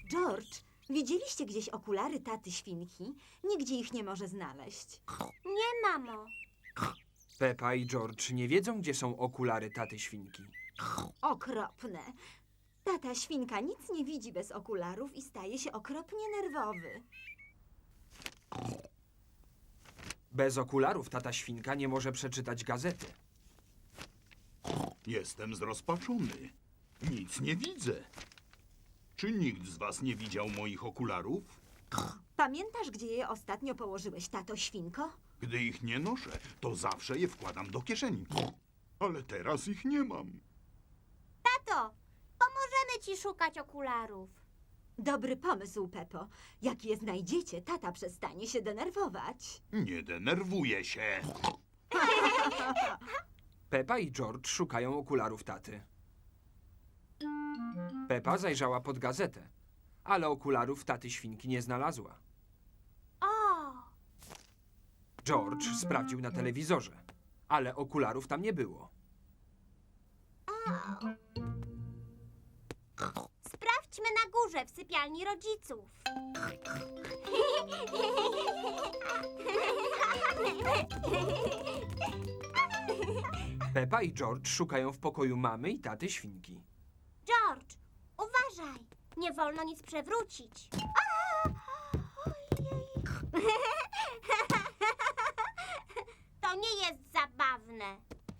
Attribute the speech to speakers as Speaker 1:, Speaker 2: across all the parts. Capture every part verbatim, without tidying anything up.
Speaker 1: George, widzieliście gdzieś okulary taty świnki? Nigdzie ich nie może znaleźć.
Speaker 2: Nie, mamo.
Speaker 3: Pepa i George nie wiedzą, gdzie są okulary taty świnki.
Speaker 1: Okropne. Tata świnka nic nie widzi bez okularów i staje się okropnie nerwowy.
Speaker 3: Bez okularów tata świnka nie może przeczytać gazety.
Speaker 4: Jestem zrozpaczony. Nic nie widzę. Czy nikt z was nie widział moich okularów?
Speaker 1: Pamiętasz, gdzie je ostatnio położyłeś, tato świnko?
Speaker 4: Gdy ich nie noszę, to zawsze je wkładam do kieszeni. Ale teraz ich nie mam.
Speaker 2: Tato, pomożemy ci szukać okularów.
Speaker 1: Dobry pomysł, Pepo. Jak je znajdziecie, tata przestanie się denerwować.
Speaker 4: Nie denerwuję się.
Speaker 3: Pepa i George szukają okularów taty. Pepa zajrzała pod gazetę, ale okularów taty świnki nie znalazła.
Speaker 2: O,
Speaker 3: George sprawdził na telewizorze, ale okularów tam nie było.
Speaker 2: sprawdźmy na górze w sypialni rodziców.
Speaker 3: Pepa i George szukają w pokoju mamy i taty świnki.
Speaker 2: George, uważaj. Nie wolno nic przewrócić. To nie jest zabawne.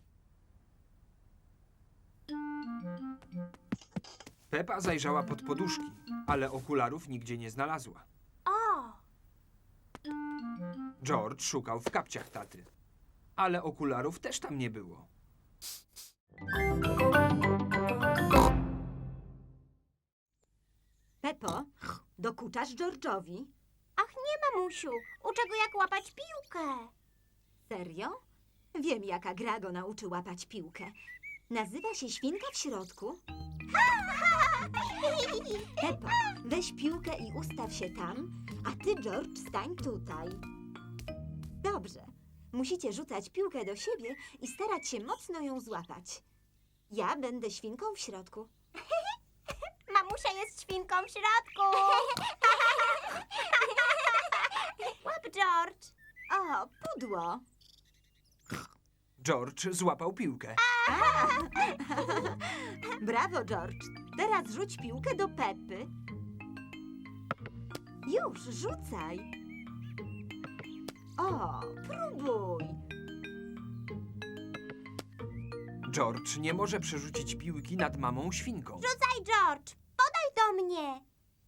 Speaker 3: Pepa zajrzała pod poduszki, ale okularów nigdzie nie znalazła.
Speaker 2: O,
Speaker 3: George szukał w kapciach taty, ale okularów też tam nie było.
Speaker 1: Pepo, dokuczasz George'owi?
Speaker 2: ach nie, mamusiu. Uczę go, jak łapać piłkę.
Speaker 1: Serio? Wiem, jaka gra go nauczy łapać piłkę. Nazywa się Świnka w środku. Pepo, weź piłkę i ustaw się tam, a ty, George, stań tutaj. Dobrze. Musicie rzucać piłkę do siebie i starać się mocno ją złapać. Ja będę świnką w środku.
Speaker 2: Mamusia jest świnką w środku. Łap, George.
Speaker 1: O, pudło.
Speaker 3: George złapał piłkę.
Speaker 1: Brawo, George. Teraz rzuć piłkę do Pepy. Już, rzucaj. O, próbuj.
Speaker 3: George nie może przerzucić piłki nad mamą świnką.
Speaker 2: Rzucaj, George. Podaj do mnie.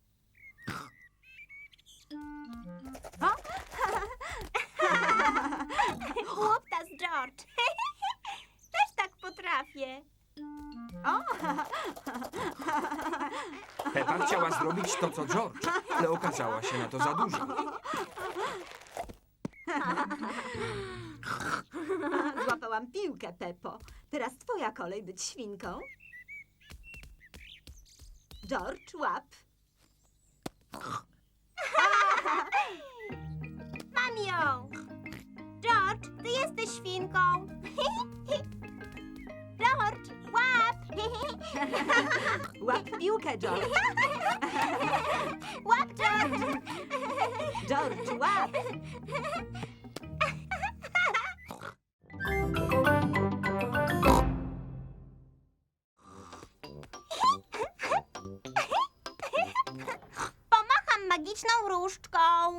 Speaker 2: Głuptas, George. Też tak potrafię.
Speaker 3: Pepa chciała zrobić to, co George, ale okazała się na to za dużo.
Speaker 1: Złapałam piłkę, Peppo. Teraz twoja kolej być świnką. George, łap.
Speaker 2: Mam ją. George, ty jesteś świnką. George, łap.
Speaker 1: Łap piłkę, George.
Speaker 2: Łap, George.
Speaker 1: George, łap.
Speaker 2: Pomacham magiczną różdżką.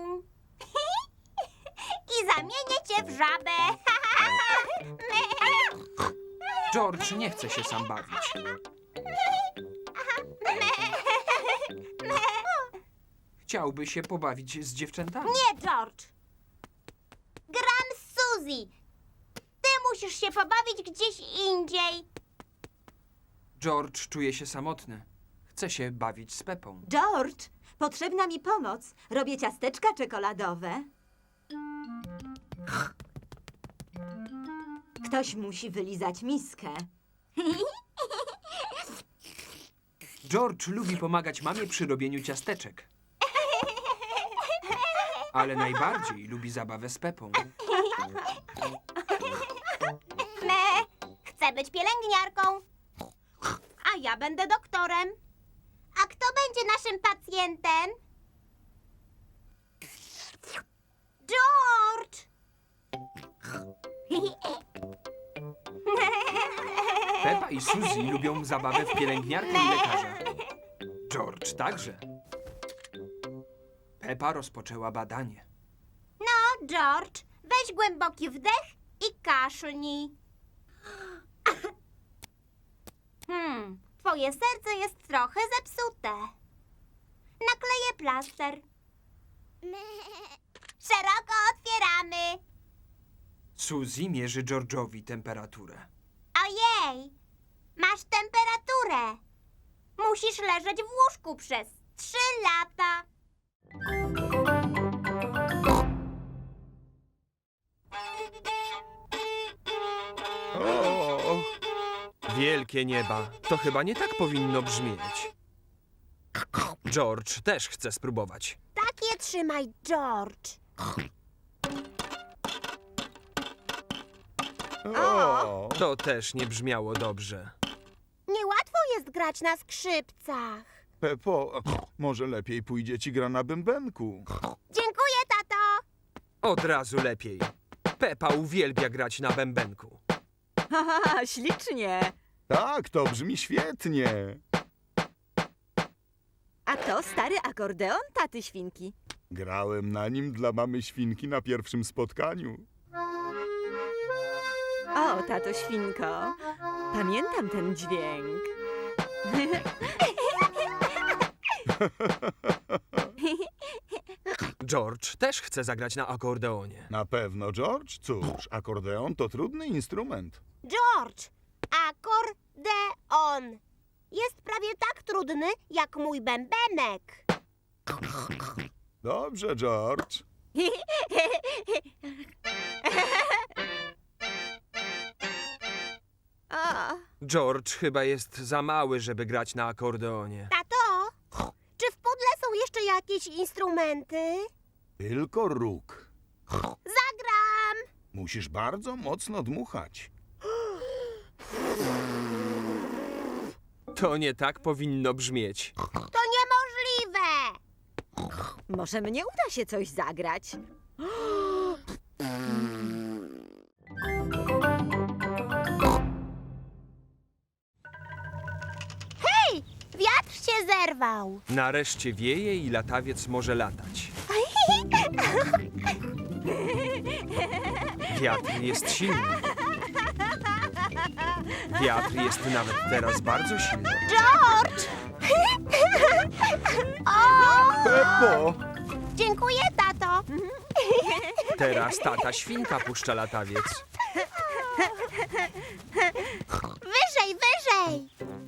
Speaker 2: I zamienię cię w żabę.
Speaker 3: George nie chce się sam bawić. Chciałby się pobawić z dziewczętami.
Speaker 2: Nie, George. Gram z Suzy. Ty musisz się pobawić gdzieś indziej.
Speaker 3: George czuje się samotny. Chce się bawić z Pepą.
Speaker 1: George, potrzebna mi pomoc. Robię ciasteczka czekoladowe. Ktoś musi wylizać miskę.
Speaker 3: George lubi pomagać mamie przy robieniu ciasteczek. Ale najbardziej lubi zabawę z Pepą.
Speaker 2: Me, chcę być pielęgniarką. A ja będę doktorem. A kto będzie naszym pacjentem? George!
Speaker 3: Pepa i Suzy lubią zabawę w pielęgniarkę i lekarza. George także. Pepa rozpoczęła badanie.
Speaker 2: No, George, weź głęboki wdech i kaszlnij. Hmm, twoje serce jest trochę zepsute. Nakleję plaster. Szeroko otwieramy.
Speaker 3: Suzy mierzy George'owi temperaturę.
Speaker 2: Ojej, masz temperaturę. Musisz leżeć w łóżku przez trzy lata.
Speaker 3: O, wielkie nieba. To chyba nie tak powinno brzmieć. George też chce spróbować.
Speaker 2: Tak je trzymaj, George.
Speaker 5: O!
Speaker 3: To też nie brzmiało dobrze.
Speaker 2: Niełatwo jest grać na skrzypcach.
Speaker 5: Pepo, może lepiej pójdzie ci gra na bębenku.
Speaker 2: Dziękuję, tato.
Speaker 3: Od razu lepiej. Pepa uwielbia grać na bębenku.
Speaker 6: Haha, ślicznie.
Speaker 5: Tak, to brzmi świetnie.
Speaker 6: A to stary akordeon taty świnki.
Speaker 5: Grałem na nim dla mamy świnki na pierwszym spotkaniu.
Speaker 6: O, tato świnko, pamiętam ten dźwięk.
Speaker 3: George też chce zagrać na akordeonie.
Speaker 5: Na pewno, George. Cóż, akordeon to trudny instrument.
Speaker 2: George, akordeon. Jest prawie tak trudny jak mój bębenek.
Speaker 5: Dobrze, George.
Speaker 6: O,
Speaker 3: George chyba jest za mały, żeby grać na akordeonie.
Speaker 2: Tato, czy w pudle są jeszcze jakieś instrumenty?
Speaker 5: Tylko róg.
Speaker 2: Zagram.
Speaker 5: Musisz bardzo mocno dmuchać.
Speaker 3: To nie tak powinno brzmieć.
Speaker 2: To niemożliwe.
Speaker 6: może mnie uda się coś zagrać.
Speaker 2: Hej, wiatr się zerwał.
Speaker 3: Nareszcie wieje i latawiec może latać. Wiatr jest silny. Wiatr jest nawet teraz bardzo silny.
Speaker 2: George! O!
Speaker 5: Pepo!
Speaker 2: Dziękuję, tato.
Speaker 3: Teraz tata świnka puszcza latawiec.
Speaker 2: Wyżej, wyżej.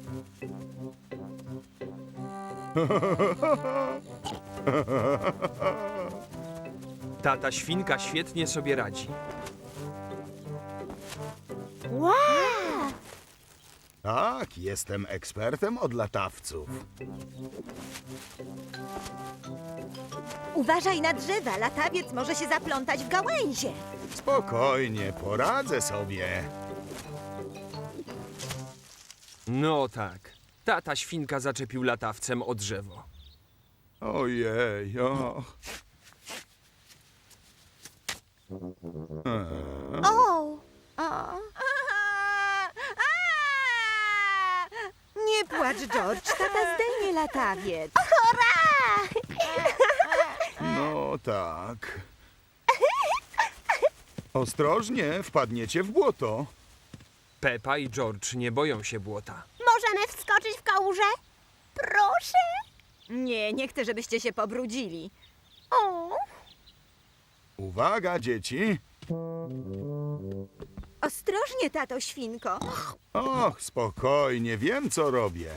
Speaker 3: Tata świnka świetnie sobie radzi.
Speaker 2: Wow!
Speaker 5: Tak, jestem ekspertem od latawców.
Speaker 6: Uważaj na drzewa, latawiec może się zaplątać w gałęzie.
Speaker 5: Spokojnie, poradzę sobie.
Speaker 3: No tak. Tata świnka zaczepił latawcem o drzewo.
Speaker 5: Ojej, o. Eee.
Speaker 2: O!
Speaker 6: O. Nie płacz, George, tata zdejmie latawiec.
Speaker 2: Hurra!
Speaker 5: No tak. Ostrożnie, wpadniecie w błoto.
Speaker 3: Pepa i George nie boją się błota.
Speaker 2: Możemy wskoczyć w kałużę? Proszę.
Speaker 6: Nie, nie chcę, żebyście się pobrudzili.
Speaker 2: O!
Speaker 5: Uwaga, dzieci.
Speaker 6: Ostrożnie, tato świnko.
Speaker 5: Och, spokojnie, wiem co robię.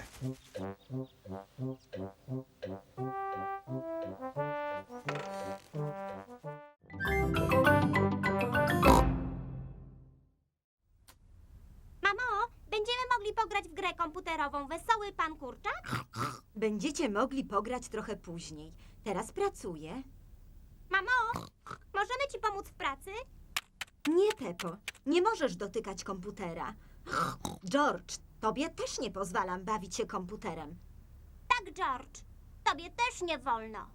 Speaker 2: Mamo, będziemy mogli pograć w grę komputerową Wesoły Pan Kurczak?
Speaker 1: Będziecie mogli pograć trochę później. Teraz pracuję.
Speaker 2: Mamo, możemy ci pomóc w pracy?
Speaker 1: Nie, Pepo, nie możesz dotykać komputera. George, tobie też nie pozwalam bawić się komputerem.
Speaker 2: Tak, George. Tobie też nie wolno.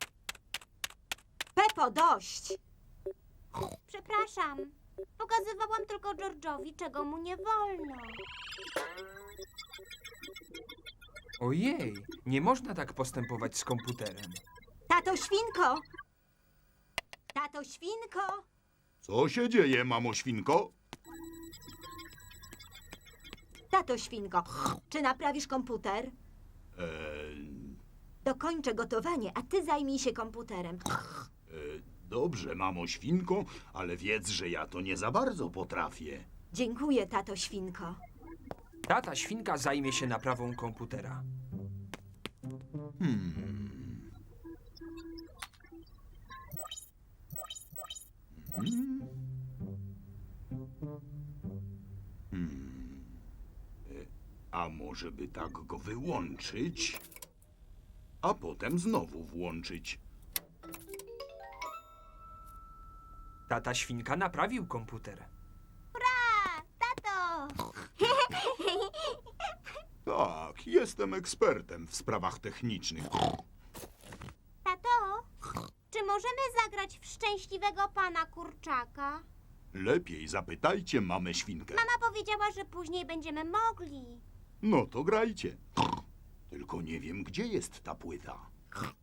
Speaker 1: Pepo, dość!
Speaker 2: Przepraszam. Pokazywałam tylko George'owi, czego mu nie wolno.
Speaker 3: Ojej, nie można tak postępować z komputerem.
Speaker 1: Tato Świnko! Tato Świnko!
Speaker 4: Co się dzieje, mamo świnko?
Speaker 1: Tato Świnko, czy naprawisz komputer?
Speaker 4: Eee,
Speaker 1: Dokończę gotowanie, a ty zajmij się komputerem.
Speaker 4: e, dobrze, mamo świnko, ale wiedz, że ja to nie za bardzo potrafię.
Speaker 1: Dziękuję, tato Świnko.
Speaker 3: Tata świnka zajmie się naprawą komputera.
Speaker 4: Hmm. Hmm. Hmm. E, A może by tak go wyłączyć, a potem znowu włączyć?
Speaker 3: Tata świnka naprawił komputer.
Speaker 2: Hurra! Tato!
Speaker 4: Tak, jestem ekspertem w sprawach technicznych.
Speaker 2: Tato, czy możemy zagrać w szczęśliwego pana kurczaka?
Speaker 4: Lepiej zapytajcie mamę świnkę.
Speaker 2: Mama powiedziała, że później będziemy mogli.
Speaker 4: No to grajcie. Tylko nie wiem, gdzie jest ta płyta.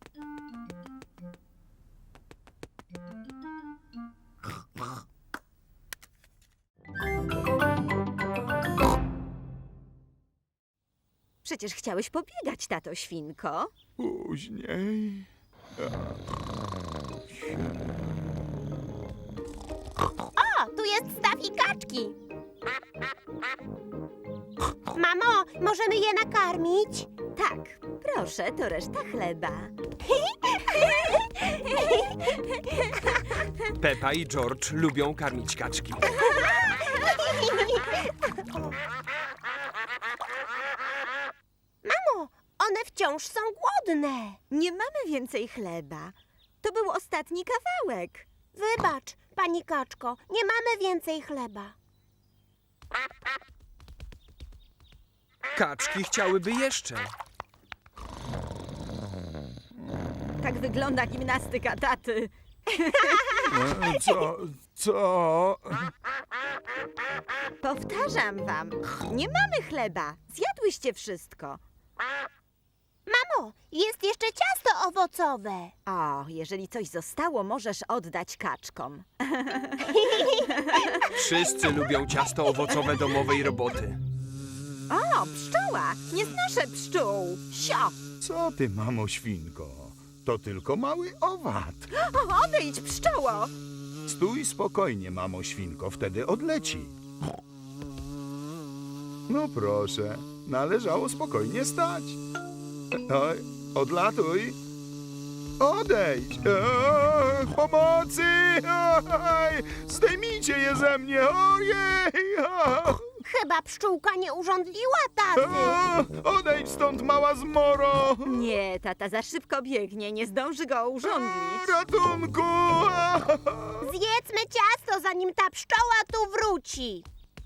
Speaker 6: Przecież chciałeś pobiegać, tato Świnko.
Speaker 5: Później.
Speaker 2: O, tu jest staw i kaczki. Mamo, możemy je nakarmić?
Speaker 6: Tak, proszę, to reszta chleba.
Speaker 3: Pepa i George lubią karmić kaczki.
Speaker 2: Mamo, one wciąż są głodne.
Speaker 6: Nie mamy więcej chleba. To był ostatni kawałek.
Speaker 2: Wybacz, pani kaczko, nie mamy więcej chleba.
Speaker 3: Kaczki chciałyby jeszcze.
Speaker 6: Tak wygląda gimnastyka taty.
Speaker 5: E, Co? Co?
Speaker 6: Powtarzam wam, nie mamy chleba. Zjadłyście wszystko.
Speaker 2: Mamo, jest jeszcze ciasto owocowe.
Speaker 6: O, jeżeli coś zostało, możesz oddać kaczkom.
Speaker 3: Wszyscy lubią ciasto owocowe domowej roboty.
Speaker 6: O, pszczoła! Nie znoszę pszczół. Sio!
Speaker 5: Co ty, mamo świnko? To tylko mały owad.
Speaker 6: O, odejdź, pszczoło!
Speaker 5: Stój spokojnie, mamo świnko, wtedy odleci. No proszę, należało spokojnie stać. Oj, odlatuj. Odejdź. Eee, pomocy! Oj, zdejmijcie je ze mnie. Ojej! O,
Speaker 2: Chyba pszczółka nie urządliła taty.
Speaker 5: o, odejdź stąd, mała zmoro.
Speaker 6: Nie, tata za szybko biegnie, nie zdąży go urządlić.
Speaker 5: Ratunku!
Speaker 2: Zjedzmy ciasto, zanim ta pszczoła tu wróci.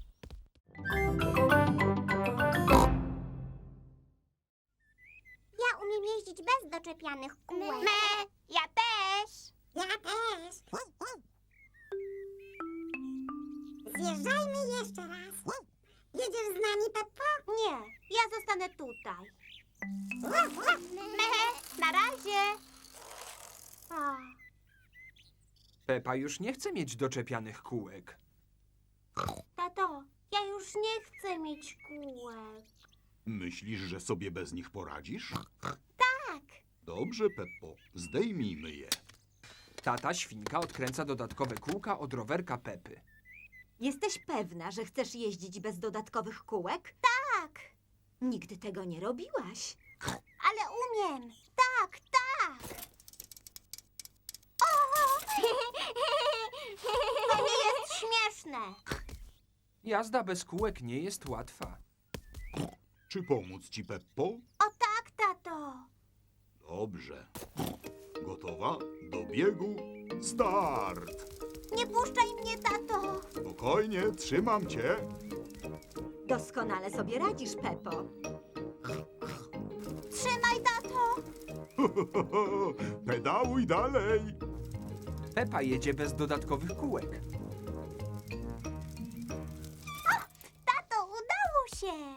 Speaker 2: Ja umiem jeździć bez doczepianych kółek. Me, ja też. Ja też. Zjeżdżajmy jeszcze raz. Jedziesz z nami, Peppo? Nie, ja zostanę tutaj. Me, na razie. O.
Speaker 3: Pepa już nie chce mieć doczepianych kółek.
Speaker 2: Tato, ja już nie chcę mieć kółek.
Speaker 4: Myślisz, że sobie bez nich poradzisz?
Speaker 2: Tak.
Speaker 4: Dobrze, Peppo, zdejmijmy je.
Speaker 3: Tata świnka odkręca dodatkowe kółka od rowerka Pepy.
Speaker 1: Jesteś pewna, że chcesz jeździć bez dodatkowych kółek?
Speaker 2: Tak,
Speaker 1: Nigdy tego nie robiłaś.
Speaker 2: ale umiem. Tak, tak. O! To nie jest śmieszne.
Speaker 3: Jazda bez kółek nie jest łatwa.
Speaker 4: Czy pomóc ci, Peppo?
Speaker 2: O tak, tato.
Speaker 4: Dobrze. Gotowa? Do biegu? Start!
Speaker 2: Nie puszczaj mnie, tato.
Speaker 4: Spokojnie, trzymam cię.
Speaker 1: Doskonale sobie radzisz, Pepo.
Speaker 2: Trzymaj, tato!
Speaker 5: Pedałuj dalej.
Speaker 3: Pepa jedzie bez dodatkowych kółek.
Speaker 2: Tato, udało się!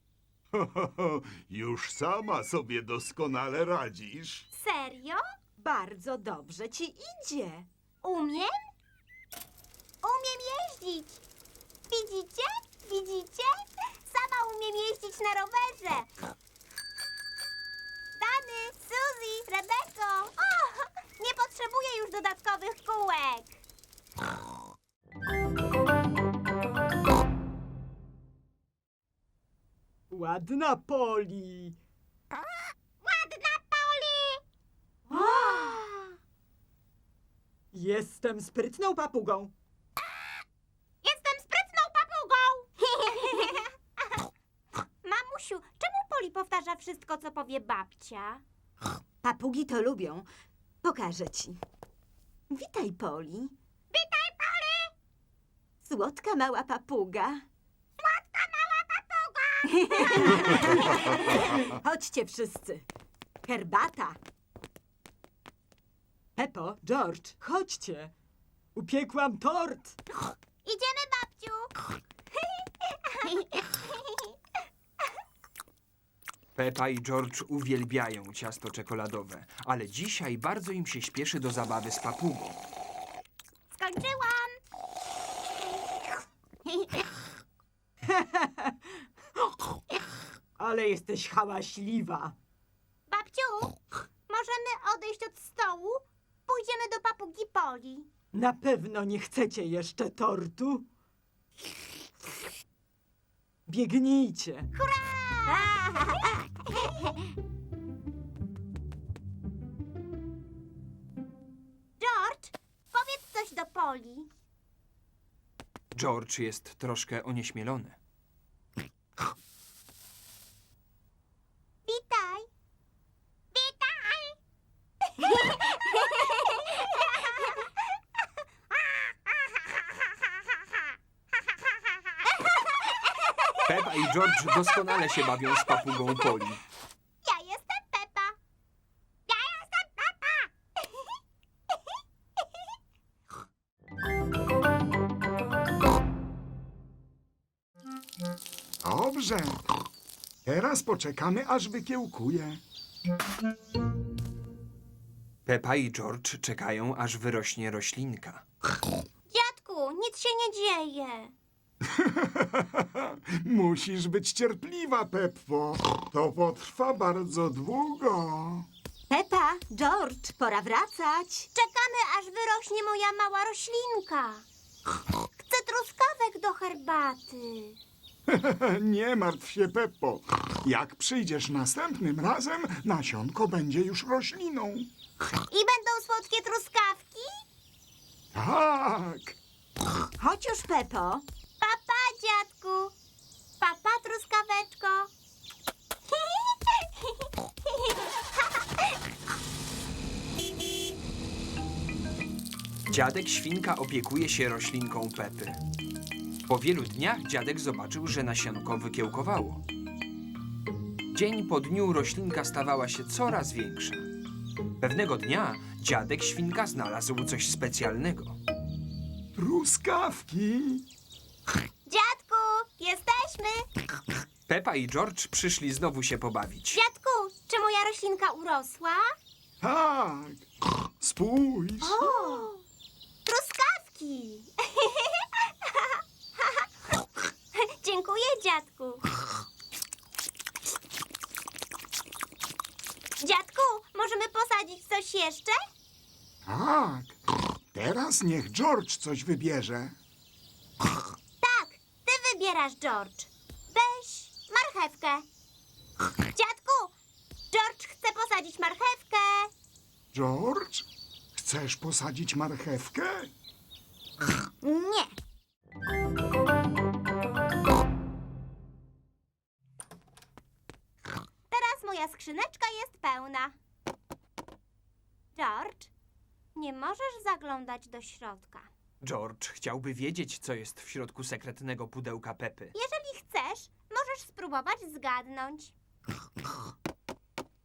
Speaker 4: Już sama sobie doskonale radzisz.
Speaker 2: Serio?
Speaker 6: Bardzo dobrze ci idzie.
Speaker 2: Umiem? Umiem jeździć! Widzicie? Widzicie? Sama umiem jeździć na rowerze! Dany, Suzy, Rebeko! O, nie potrzebuję już dodatkowych kółek!
Speaker 6: Ładna Poli.
Speaker 2: Ładna Poli!
Speaker 6: Jestem sprytną papugą.
Speaker 2: Jestem sprytną papugą! Mamusiu, czemu Poli powtarza wszystko, co powie babcia?
Speaker 1: Papugi to lubią. Pokażę ci. Witaj, Poli.
Speaker 2: Witaj, Poli!
Speaker 1: Słodka mała papuga. Chodźcie wszyscy. Herbata.
Speaker 6: Pepo, George, chodźcie. Upiekłam tort.
Speaker 2: Idziemy, babciu!
Speaker 3: Pepa i George uwielbiają ciasto czekoladowe, ale dzisiaj bardzo im się śpieszy do zabawy z papugą.
Speaker 2: Skończyłam!
Speaker 6: Ale jesteś hałaśliwa.
Speaker 2: Babciu, możemy odejść od stołu? Pójdziemy do papugi Poli.
Speaker 6: Na pewno nie chcecie jeszcze tortu? Biegnijcie.
Speaker 2: George, powiedz coś do Poli.
Speaker 3: George jest troszkę onieśmielony.
Speaker 2: Witaj! Witaj!
Speaker 3: Pepa i George doskonale się bawią z papugą Poli.
Speaker 2: Ja jestem Pepa! Ja jestem Pepa!
Speaker 7: Dobrze. Teraz poczekamy, aż wykiełkuje.
Speaker 3: Pepa i George czekają, aż wyrośnie roślinka.
Speaker 2: Dziadku, nic się nie dzieje.
Speaker 7: Musisz być cierpliwa, Peppo. To potrwa bardzo długo.
Speaker 1: Pepa, George, pora wracać.
Speaker 2: Czekamy, aż wyrośnie moja mała roślinka. Chcę truskawek do herbaty.
Speaker 7: Nie martw się, Peppo. Jak przyjdziesz następnym razem, nasionko będzie już rośliną.
Speaker 2: I będą słodkie truskawki?
Speaker 7: Tak.
Speaker 1: Chodź już, Pepo.
Speaker 2: Papa, dziadku. Papa, truskaweczko.
Speaker 3: Dziadek Świnka opiekuje się roślinką Pepy. Po wielu dniach dziadek zobaczył, że nasionko wykiełkowało. Dzień po dniu roślinka stawała się coraz większa. Pewnego dnia dziadek Świnka znalazł coś specjalnego.
Speaker 7: Truskawki.
Speaker 2: Dziadku, jesteśmy.
Speaker 3: Pepa i George przyszli znowu się pobawić.
Speaker 2: Dziadku, czy moja roślinka urosła?
Speaker 7: Tak. Spójrz.
Speaker 2: O, truskawki. Dziękuję, dziadku. Dziadku, możemy posadzić coś jeszcze?
Speaker 7: Tak. Teraz niech George coś wybierze.
Speaker 2: Tak, ty wybierasz, George. Weź marchewkę. Dziadku, George chce posadzić marchewkę.
Speaker 7: George, chcesz posadzić marchewkę?
Speaker 2: Nie. Teraz moja skrzyneczka jest pełna. George, nie możesz zaglądać do środka.
Speaker 3: George chciałby wiedzieć, co jest w środku sekretnego pudełka Pepy.
Speaker 2: Jeżeli chcesz, możesz spróbować zgadnąć.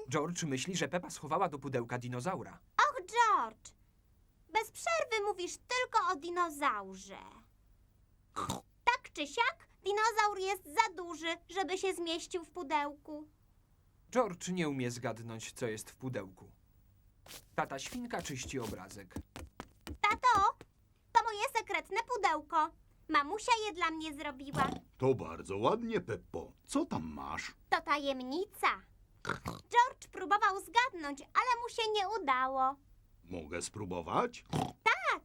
Speaker 3: George myśli, że Pepa schowała do pudełka dinozaura.
Speaker 2: Och, George! Bez przerwy mówisz tylko o dinozaurze. Tak czy siak, dinozaur jest za duży, żeby się zmieścił w pudełku.
Speaker 3: George nie umie zgadnąć, co jest w pudełku. Tata świnka czyści obrazek.
Speaker 2: Tato, to moje sekretne pudełko. Mamusia je dla mnie zrobiła.
Speaker 4: To bardzo ładnie, Peppo. Co tam masz?
Speaker 2: To tajemnica. George próbował zgadnąć, ale mu się nie udało.
Speaker 4: Mogę spróbować?
Speaker 2: Tak,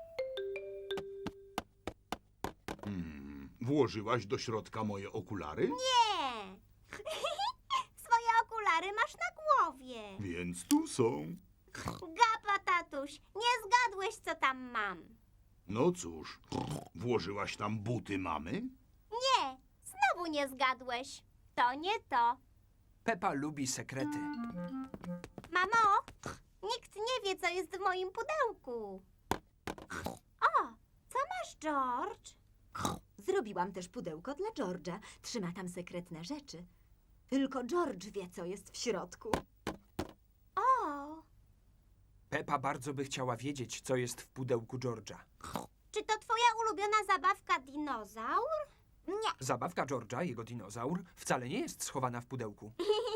Speaker 4: Hmm, włożyłaś do środka moje okulary?
Speaker 2: nie. Swoje okulary masz na głowie.
Speaker 4: Więc tu są.
Speaker 2: Gapa, tatuś, nie zgadłeś, co tam mam.
Speaker 4: No cóż, włożyłaś tam buty mamy?
Speaker 2: Nie, znowu nie zgadłeś. To nie to.
Speaker 3: Pepa lubi sekrety.
Speaker 2: Mamo, nikt nie wie, co jest w moim pudełku. O, co masz, George?
Speaker 1: Zrobiłam też pudełko dla George'a. Trzyma tam sekretne rzeczy. Tylko George wie, co jest w środku.
Speaker 2: O,
Speaker 3: Pepa bardzo by chciała wiedzieć, co jest w pudełku George'a.
Speaker 2: czy to twoja ulubiona zabawka dinozaur? Nie.
Speaker 3: Zabawka George'a, jego dinozaur, wcale nie jest schowana w pudełku.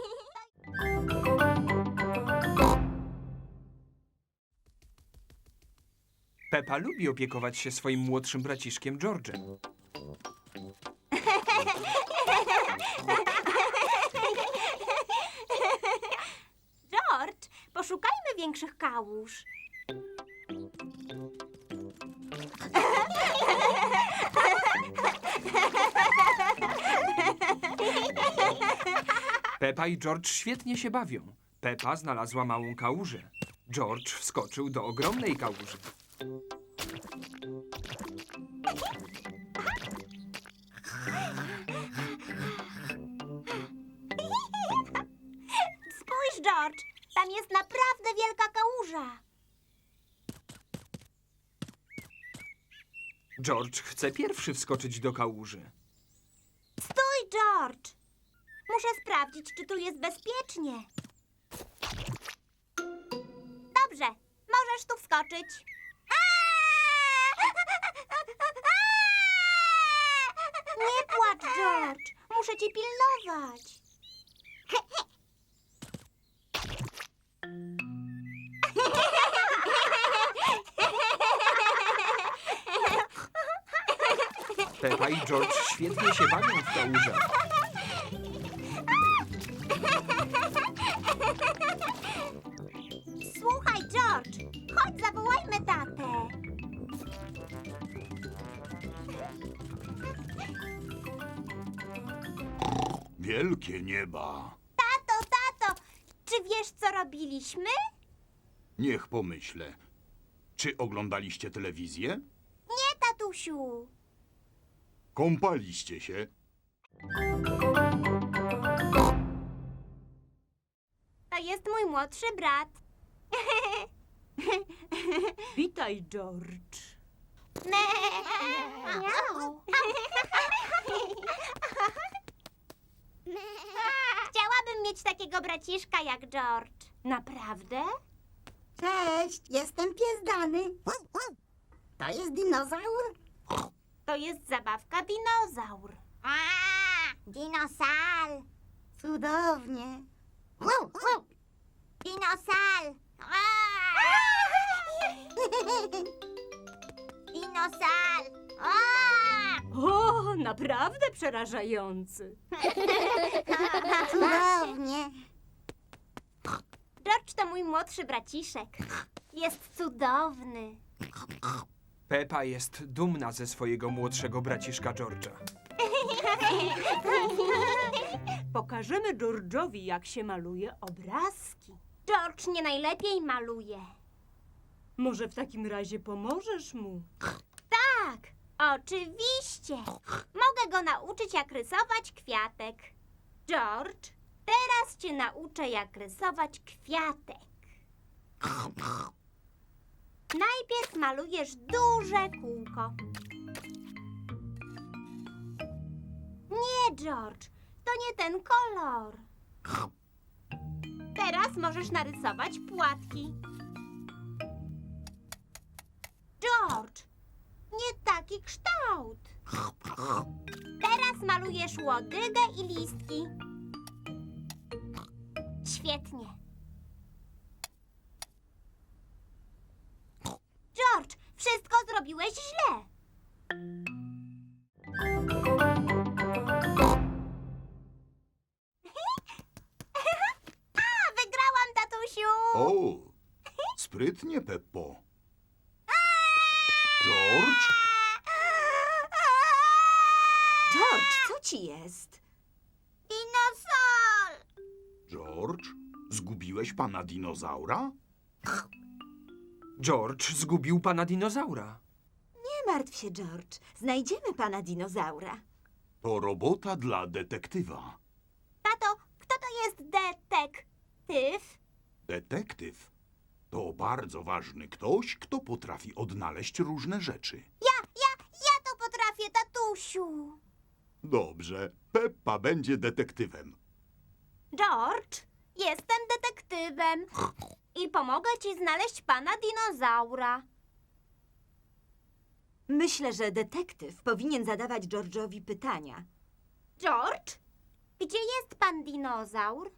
Speaker 3: Pepa lubi opiekować się swoim młodszym braciszkiem George'em.
Speaker 2: George, poszukajmy większych kałuż.
Speaker 3: Pepa i George świetnie się bawią. Pepa znalazła małą kałużę. George wskoczył do ogromnej kałuży.
Speaker 2: Spójrz, George, tam jest naprawdę wielka kałuża.
Speaker 3: George chce pierwszy wskoczyć do kałuży.
Speaker 2: Stój, George. Muszę sprawdzić, czy tu jest bezpiecznie. Dobrze, możesz tu wskoczyć. Nie płacz, George. Muszę cię pilnować.
Speaker 3: Pepa i George świetnie się bawią w kałużach.
Speaker 2: Słuchaj, George, chodź zawołajmy tatę.
Speaker 4: Wielkie nieba.
Speaker 2: Tato, tato, czy wiesz, co robiliśmy?
Speaker 4: Niech pomyślę. Czy oglądaliście telewizję?
Speaker 2: Nie, tatusiu.
Speaker 4: Kąpaliście się?
Speaker 2: To jest mój młodszy brat.
Speaker 6: Witaj, George.
Speaker 2: Miau. Chciałabym mieć takiego braciszka jak George. Naprawdę?
Speaker 8: Cześć, jestem pies Dany. To jest dinozaur?
Speaker 2: To jest zabawka dinozaur.
Speaker 8: A, dinosal. Cudownie.
Speaker 2: Dinosal. Dinosal.
Speaker 6: O, naprawdę przerażający.
Speaker 8: Cudownie.
Speaker 2: George to mój młodszy braciszek. Jest cudowny.
Speaker 3: Pepa jest dumna ze swojego młodszego braciszka George'a.
Speaker 6: Pokażemy George'owi, jak się maluje obrazki.
Speaker 2: George nie najlepiej maluje.
Speaker 6: Może w takim razie pomożesz mu?
Speaker 2: Tak, oczywiście. Mogę go nauczyć, jak rysować kwiatek. George, teraz cię nauczę, jak rysować kwiatek. Najpierw malujesz duże kółko. Nie, George, to nie ten kolor. Teraz możesz narysować płatki. George, nie taki kształt. Teraz malujesz łodygę i listki. Świetnie. George, wszystko zrobiłeś źle. A, wygrałam, tatusiu!
Speaker 4: O, sprytnie, Peppo. George?
Speaker 1: George, co ci jest?
Speaker 2: Dinozaur!
Speaker 4: George? Zgubiłeś pana dinozaura?
Speaker 3: George zgubił pana dinozaura.
Speaker 1: Nie martw się, George. Znajdziemy pana dinozaura.
Speaker 4: To robota dla detektywa.
Speaker 2: Tato, kto to jest detektyw?
Speaker 4: Detektyw to bardzo ważny ktoś, kto potrafi odnaleźć różne rzeczy.
Speaker 2: Ja, ja, ja to potrafię, tatusiu.
Speaker 4: Dobrze, Peppa będzie detektywem.
Speaker 2: George, jestem detektywem i pomogę ci znaleźć pana dinozaura.
Speaker 1: Myślę, że detektyw powinien zadawać George'owi pytania.
Speaker 2: George, gdzie jest pan dinozaur?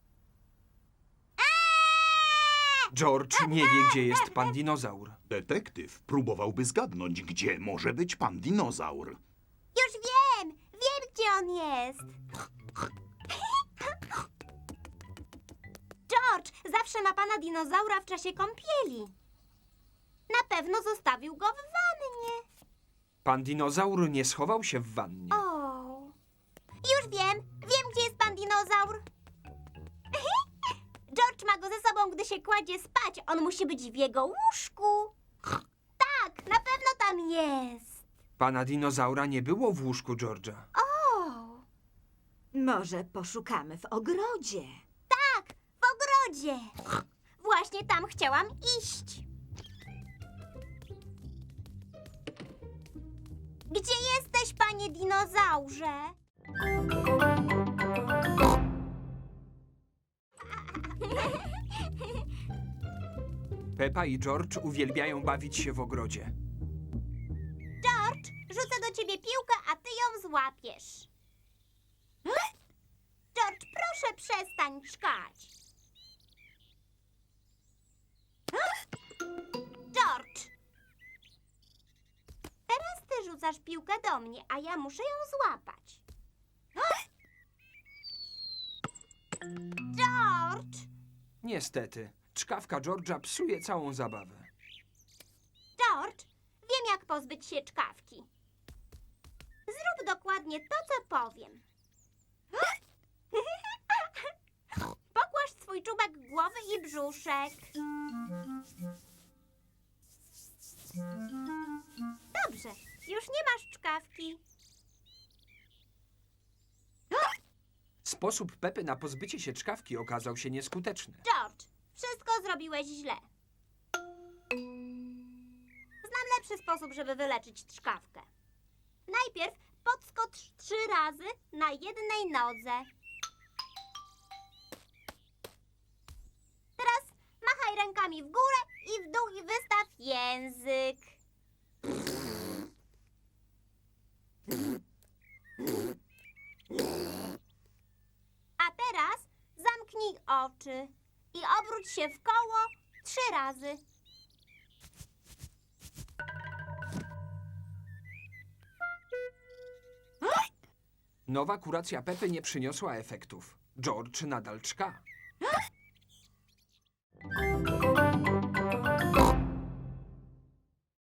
Speaker 3: George nie wie, gdzie jest pan dinozaur.
Speaker 4: Detektyw próbowałby zgadnąć, gdzie może być pan dinozaur.
Speaker 2: Już wiem, wiem, gdzie on jest. George zawsze ma pana dinozaura w czasie kąpieli. Na pewno zostawił go w wannie.
Speaker 3: Pan dinozaur nie schował się w wannie.
Speaker 2: O, już wiem, wiem, gdzie jest pan dinozaur. George ma go ze sobą, gdy się kładzie spać. On musi być w jego łóżku. Tak, na pewno tam jest.
Speaker 3: Pana dinozaura nie było w łóżku George'a.
Speaker 2: O,
Speaker 1: Może poszukamy w ogrodzie.
Speaker 2: tak, w ogrodzie. Właśnie tam chciałam iść. Gdzie jesteś, panie dinozaurze?
Speaker 3: Peppa i George uwielbiają bawić się w ogrodzie.
Speaker 2: George, rzucę do ciebie piłkę, a ty ją złapiesz. George, proszę przestań czkać. George! Teraz ty rzucasz piłkę do mnie, a ja muszę ją złapać. George!
Speaker 3: Niestety, czkawka George'a psuje całą zabawę.
Speaker 2: George, wiem, jak pozbyć się czkawki. Zrób dokładnie to, co powiem. Pokłaż swój czubek głowy i brzuszek. Dobrze, już nie masz czkawki.
Speaker 3: Sposób Pepy na pozbycie się czkawki okazał się nieskuteczny.
Speaker 2: George, wszystko zrobiłeś źle. Znam lepszy sposób, żeby wyleczyć czkawkę. Najpierw podskocz trzy razy na jednej nodze. Teraz machaj rękami w górę i w dół i wystaw język. A teraz zamknij oczy i obróć się w koło trzy razy.
Speaker 3: Nowa kuracja Pepy nie przyniosła efektów. George nadal czka.